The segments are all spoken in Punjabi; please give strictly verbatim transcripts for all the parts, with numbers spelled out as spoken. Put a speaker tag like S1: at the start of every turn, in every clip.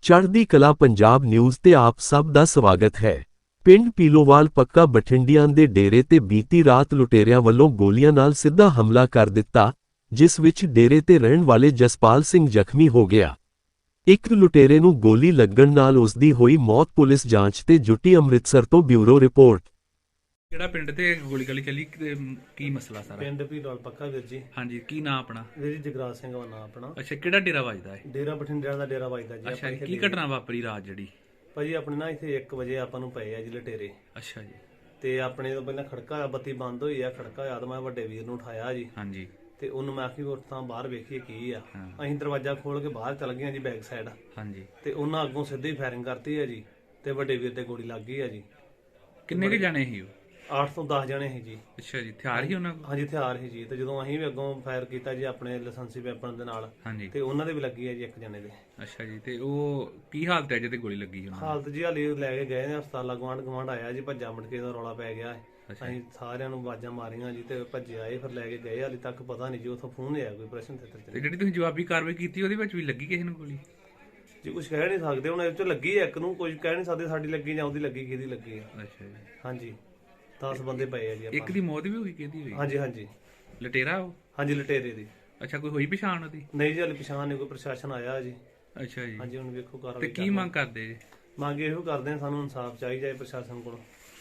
S1: ਚੜ੍ਹਦੀ ਕਲਾ ਪੰਜਾਬ ਨਿਊਜ਼ ਤੇ ਆਪ ਸਭ ਦਾ ਸਵਾਗਤ ਹੈ। ਪਿੰਡ ਪੀਲੋਵਾਲ ਪੱਕਾ ਬਠਿੰਡਿਆਂ ਦੇ ਡੇਰੇ ਤੇ ਬੀਤੀ ਰਾਤ ਲੁਟੇਰਿਆਂ ਵੱਲੋਂ ਗੋਲੀਆਂ ਨਾਲ ਸਿੱਧਾ ਹਮਲਾ ਕਰ ਦਿੱਤਾ, ਜਿਸ ਵਿੱਚ ਡੇਰੇ ਤੇ ਰਹਿਣ ਵਾਲੇ ਜਸਪਾਲ ਸਿੰਘ ਜ਼ਖਮੀ ਹੋ ਗਿਆ। ਇੱਕ ਲੁਟੇਰੇ ਨੂੰ ਗੋਲੀ ਲੱਗਣ ਨਾਲ ਉਸ ਦੀ ਹੋਈ ਮੌਤ। ਪੁਲਿਸ ਜਾਂਚ ਤੇ ਜੁਟੀ। ਅੰਮ੍ਰਿਤਸਰ ਤੋਂ ਬਿਊਰੋ ਰਿਪੋਰਟ।
S2: ਕਿਹੜਾ ਪਿੰਡ ਤੇ ਗੋਲੀ ਗਲੀ ਚੱਲੀ ਤੇ ਕੀ ਮਸਲਾ ਸਾਰਾ?
S3: ਪਿੰਡ ਪੀਲੋਵਾਲ ਪੱਕਾ ਵੀਰ ਜੀ।
S2: ਹਾਂਜੀ, ਕੀ ਨਾਂ ਆਪਣਾ?
S3: ਵੀਰ ਜੀ ਜਗਰਾਜ ਸਿੰਘ ਦਾ ਨਾਂ ਆਪਣਾ।
S2: ਅੱਛਾ, ਕਿਹੜਾ ਡੇਰਾ ਵੱਜਦਾ ਹੈ?
S3: ਡੇਰਾ ਬਠਿੰਡਿਆਂ ਦਾ ਡੇਰਾ ਵੱਜਦਾ ਜੀ।
S2: ਅੱਛਾ,
S3: ਆਪਾਂ
S2: ਕੀ
S3: ਇੱਥੇ
S2: ਘਟਨਾ ਵਾਪਰੀ ਰਾਤ ਜਿਹੜੀ?
S3: ਭਾਜੀ ਆਪਣੇ ਨਾ ਇੱਥੇ ਇੱਕ ਵਜੇ ਆਪਾਂ ਨੂੰ ਪਏ ਆ ਜੀ ਲਟੇਰੇ,
S2: ਅੱਛਾ ਜੀ।
S3: ਤੇ ਆਪਣੇ ਤੋਂ ਪਹਿਲਾਂ ਖੜਕਾ ਹੋਇਆ, ਬੱਤੀ ਬੰਦ ਹੋਈ ਆ, ਖੜਕਾ ਹੋਇਆ ਤਾਂ ਮੈਂ ਵੱਡੇ ਵੀਰ ਨੂੰ ਉਠਾਇਆ ਜੀ।
S2: ਹਾਂਜੀ।
S3: ਤੇ ਉਹਨੂੰ ਮੈਂ ਆਖੀ ਉੱਠ ਤਾਂ ਬਾਹਰ ਵੇਖੀਏ ਕੀ ਆ।
S2: ਹਾਂ।
S3: ਅਸੀਂ ਦਰਵਾਜ਼ਾ ਖੋਲ ਕੇ ਬਾਹਰ ਚੱਲ ਗਏ ਆ ਜੀ ਬੈਕ ਸਾਈਡ,
S2: ਹਾਂਜੀ।
S3: ਤੇ ਉਹਨਾਂ ਅੱਗੋਂ ਸਿੱਧੀ ਫਾਇਰਿੰਗ ਕਰਤੀ ਆ ਜੀ, ਤੇ ਵੱਡੇ ਵੀਰ ਤੇ ਗੋਲੀ ਲੱਗ ਗਈ ਆ ਜੀ।
S2: ਕਿੰਨੇ ਕੁ ਜਾਣੇ ਸੀ ਉਹ?
S3: ਅੱਠ ਤੋਂ ਦਸ ਜਣੇ ਸੀ ਜੀ।
S2: ਅੱਛਾ ਜੀ, ਹਥਿਆਰ ਹੀ ਉਹਨਾਂ ਕੋਲ?
S3: ਹਾਂਜੀ ਹਥਿਆਰ ਸੀ ਜੀ। ਤੇ ਜਦੋਂ ਅਸੀਂ ਵੀ ਅੱਗੋਂ ਫਾਇਰ ਕੀਤਾ ਜੀ ਆਪਣੇ ਲਾਇਸੈਂਸੀ ਵੈਪਨ ਦੇ ਨਾਲ,
S2: ਹਾਂਜੀ।
S3: ਤੇ ਉਹਨਾਂ ਦੇ ਵੀ ਲੱਗੀ ਆ ਜੀ ਇੱਕ ਜਣੇ ਦੇ।
S2: ਅੱਛਾ ਜੀ, ਤੇ ਉਹ ਕੀ ਹਾਲਤ ਹੈ ਜਿਹਦੇ ਗੋਲੀ ਲੱਗੀ ਉਹਨਾਂ ਨੂੰ?
S3: ਹਾਲਤ ਜੀ ਹਾਲੀ ਲੈ ਕੇ ਗਏ ਨੇ ਹਸਪਤਾਲ। ਗਵਾਂਢ ਗਵਾਂਢ ਆਇਆ ਜੀ, ਭੱਜਾ ਮਟਕੇ ਦਾ ਰੌਲਾ ਪੈ ਗਿਆ। ਅਸੀਂ ਸਾਰਿਆਂ ਨੂੰ ਆਵਾਜ਼ਾਂ ਮਾਰੀਆਂ ਜੀ, ਤੇ ਭੱਜੇ ਆਏ, ਫਿਰ ਲੈ ਕੇ ਗਏ। ਹਾਲੇ ਤੱਕ ਪਤਾ ਨਹੀਂ ਜੀ ਉੱਥੋਂ ਫੋਨ ਆਇਆ ਕੋਈ ਪ੍ਰਸ਼ਨ ਥੇਟਰ
S2: ਤੇ ਜਿਹੜੀ ਤੁਸੀਂ ਜਵਾਬੀ ਕਾਰਵਾਈ ਕੀਤੀ ਉਹਦੇ ਵਿੱਚ ਵੀ ਲੱਗੀ ਕਿਸੇ ਨੂੰ ਗੋਲੀ?
S3: ਜੀ ਕੁਝ ਕਹਿ ਨਹੀਂ ਸਕਦੇ ਹੁਣ, ਇਹ ਚ ਲੱਗੀ ਹੈ ਇੱਕ ਨੂੰ, ਕੁਝ ਕਹਿ ਨਹੀਂ ਸਕਦੇ ਸਾਡੀ ਲੱਗੀ ਜਾਂ ਉਹਦੀ ਲੱਗੀ, ਕਿਹਦੀ ਲੱਗੀ ਹੈ।
S2: ਅੱਛਾ ਜੀ।
S3: ਹਾਂਜੀ, ਦਸ ਬੰਦੇ ਪਏ ਆ ਜੀ
S2: ਇੱਕ
S3: ਆਪਾਂ।
S2: ਦੀ ਮੌਤ ਵੀ ਹੋਈ, ਕਿਹਦੀ ਹੋਈ?
S3: ਹਾਂਜੀ ਹਾਂਜੀ
S2: ਲਟੇਰਾ ਉਹ?
S3: ਹਾਂਜੀ ਲਟੇਰੇ ਦੀ।
S2: ਅੱਛਾ, ਕੋਈ ਹੋਈ ਪਛਾਣ ਉਹਦੀ?
S3: ਨਹੀਂ ਜੀ ਹਾਲੇ ਪਛਾਣ ਨਹੀਂ, ਕੋਈ ਪ੍ਰਸ਼ਾਸਨ ਆਇਆ ਜੀ।
S2: ਅੱਛਾ ਜੀ।
S3: ਹਾਂਜੀ, ਹੁਣ ਵੇਖੋ
S2: ਤੇ
S3: ਕਾਰਵਾਈ
S2: ਕੀ ਮੰਗ ਕਰਦੇ ਜੀ?
S3: ਮੰਗ ਇਹੋ ਕਰਦੇ ਆ, ਸਾਨੂੰ ਇਨਸਾਫ ਚਾਹੀਦਾ ਹੈ ਪ੍ਰਸ਼ਾਸਨ ਕੋਲੋਂ।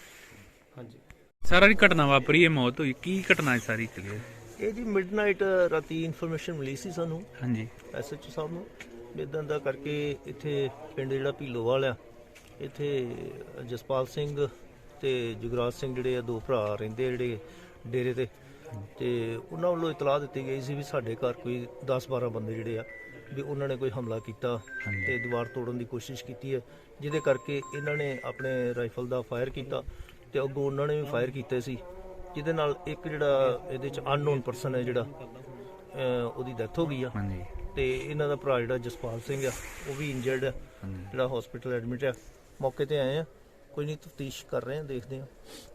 S3: ਹਾਂਜੀ।
S2: ਸਾਰਾ ਦੀ ਘਟਨਾ ਵਾਪਰੀ, ਇਹ ਮੌਤ ਹੋਈ, ਕੀ ਘਟਨਾ ਹੈ ਸਾਰੀ ਕਲੀਅਰ?
S4: ਇਹ ਜੀ ਮਿਡਨਾਈਟ ਰਾਤੀ ਇਨਫੋਰਮੇਸ਼ਨ ਮਿਲੀ ਸੀ ਸਾਨੂੰ
S2: ਹਾਂਜੀ।
S4: ਐਸਐਚਓ ਸਾਹਿਬ ਨੂੰ, ਇਦਾਂ ਦਾ ਕਰਕੇ ਇੱਥੇ ਪਿੰਡ ਜਿਹੜਾ ਭੀਲੋਵਾਲ ਆ, ਇੱਥੇ ਜਸਪਾਲ ਸਿੰਘ ਤੇ ਜੁਗਰਾਜ ਸਿੰਘ ਜਿਹੜੇ ਆ ਦੋ ਭਰਾ ਰਹਿੰਦੇ ਆ ਜਿਹੜੇ ਡੇਰੇ ਤੇ, ਤੇ ਉਹਨਾਂ ਵੱਲੋਂ ਇਤਲਾਹ ਦਿੱਤੀ ਗਈ ਸੀ ਵੀ ਸਾਡੇ ਘਰ ਕੋਈ ਦਸ ਬਾਰਾਂ ਬੰਦੇ ਜਿਹੜੇ ਆ ਵੀ ਉਹਨਾਂ ਨੇ ਕੋਈ ਹਮਲਾ ਕੀਤਾ ਤੇ ਦੀਵਾਰ ਤੋੜਨ ਦੀ ਕੋਸ਼ਿਸ਼ ਕੀਤੀ ਹੈ, ਜਿਹਦੇ ਕਰਕੇ ਇਹਨਾਂ ਨੇ ਆਪਣੇ ਰਾਈਫਲ ਦਾ ਫਾਇਰ ਕੀਤਾ ਤੇ ਅੱਗੋਂ ਉਹਨਾਂ ਨੇ ਵੀ ਫਾਇਰ ਕੀਤੇ ਸੀ, ਜਿਹਦੇ ਨਾਲ ਇੱਕ ਜਿਹੜਾ ਇਹਦੇ ਚ ਅਨਨੋਨ ਪਰਸਨ ਹੈ ਜਿਹੜਾ ਉਹਦੀ ਡੈਥ ਹੋ ਗਈ ਆ।
S2: ਹਾਂਜੀ।
S4: ਤੇ ਇਹਨਾਂ ਦਾ ਭਰਾ ਜਿਹੜਾ ਜਸਪਾਲ ਸਿੰਘ ਆ ਉਹ ਵੀ ਇੰਜਰਡ ਆ, ਜਿਹੜਾ ਹਸਪੀਟਲ ਐਡਮਿਟ ਆ। ਮੌਕੇ ਤੇ ਆਏ ਆ, ਕੋਈ ਨਹੀਂ ਤਫਤੀਸ਼ ਕਰ ਰਹੇ ਆ, ਦੇਖਦੇ ਆ।